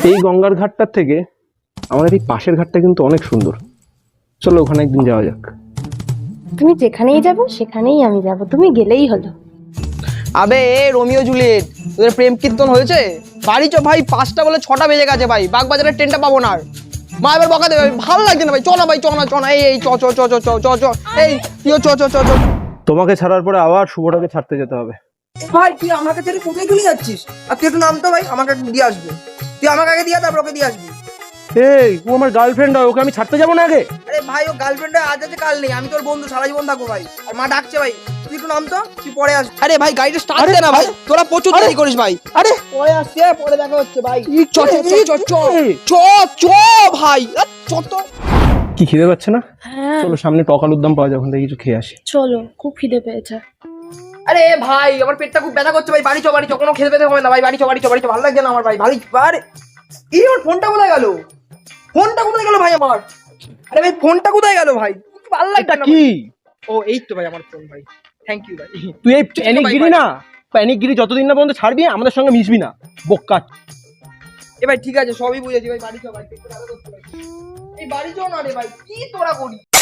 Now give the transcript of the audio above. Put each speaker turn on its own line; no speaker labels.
এই গঙ্গার ঘাটটার থেকে আমাদের এই পাশের ঘাটটা কিন্তু অনেক সুন্দর। চলো ওখানে একদিন যাওয়া যাক।
তুমি যেখানেই যাবে সেখানেই আমি যাব, তুমি গেলেই হলো।
আবে রোমিও জুলিয়েট, তোদের প্রেম কীর্তন হয়েছে? বাড়ি চ ভাই, 5টা বলে 6টা বেজে গেছে ভাই, বাগবাজারের ট্রেনটা পাবো না আর। মা এবার বকা দেবে, ভালো লাগছে না ভাই, চ না ভাই, চ না চ না, এই চ চ চ চ চ চ চ এই তুইও চ চ চ চ।
তোমাকে ছাড়ার পরে আবার শুভটাকে ছাড়তে যেতে হবে।
ভাই তুই আমাকে ছেড়ে কোথায় চলে যাচ্ছিস? আর তুই একটু নাম তো ভাই, আমাকে একটু দিয়ে আসবে। তুই আমাকে আগে দিয়ে তারপর ওকে দিয়ে আসবি।
এই ও আমার গার্লফ্রেন্ড হয়, ওকে আমি ছাড়তে যাবো না আগে?
আরে ভাই ও গার্লফ্রেন্ড আজ আছে কাল নেই, আমি তোর বন্ধু, সারা জীবন থাকবো ভাই। আর মা ডাকছে ভাই, তুই একটু নাম তো, তুই পরে আস। আরে ভাই গাড়িটা স্টার্ট দে না ভাই, তোরা প্রচুর দেরি করিস ভাই।
আরে
পরে আসছে, পরে দেখা হচ্ছে ভাই। চ চ চ চ চ চ চ ভাই, চ তো।
কি খিদে পাচ্ছে না?
হ্যাঁ
চলো সামনে টক আলুর দম পাওয়া যায়, ওখান থেকে কিছু খেয়ে আসি।
চলো, খুব খিদে পেয়েছে।
আরে ভাই আমার পেটটা খুব ব্যথা করছে ভাই, বাড়ি চ বাড়ি চ, কোনো খেতে পেতে হবে না ভাই, বাড়ি চ বাড়ি চ বাড়ি চ, ভালো লাগছে না আমার ভাই, বাড়ি আরে এই আমার ফোনটা কোথায় গেল? ফোনটা কোথায় গেল ভাই আমার? আরে ভাই ফোনটা কোথায় গেল ভাই? ভালো লাগছে
এটা
না
কি?
ও এই তো ভাই আমার ফোন ভাই, থ্যাংক ইউ ভাই।
তুই এই প্যানিকগিরি না, প্যানিকগিরি যতদিন না পর্যন্ত ছাড়বি আমাদের সঙ্গে মিশবি না, বোকা।
এ ভাই ঠিক আছে, সবই বুঝেছি ভাই, বাড়ি চ ভাই, পেটটা ব্যথা করছে ভাই। এই বাড়ি চ না রে ভাই, কি তোরা করি?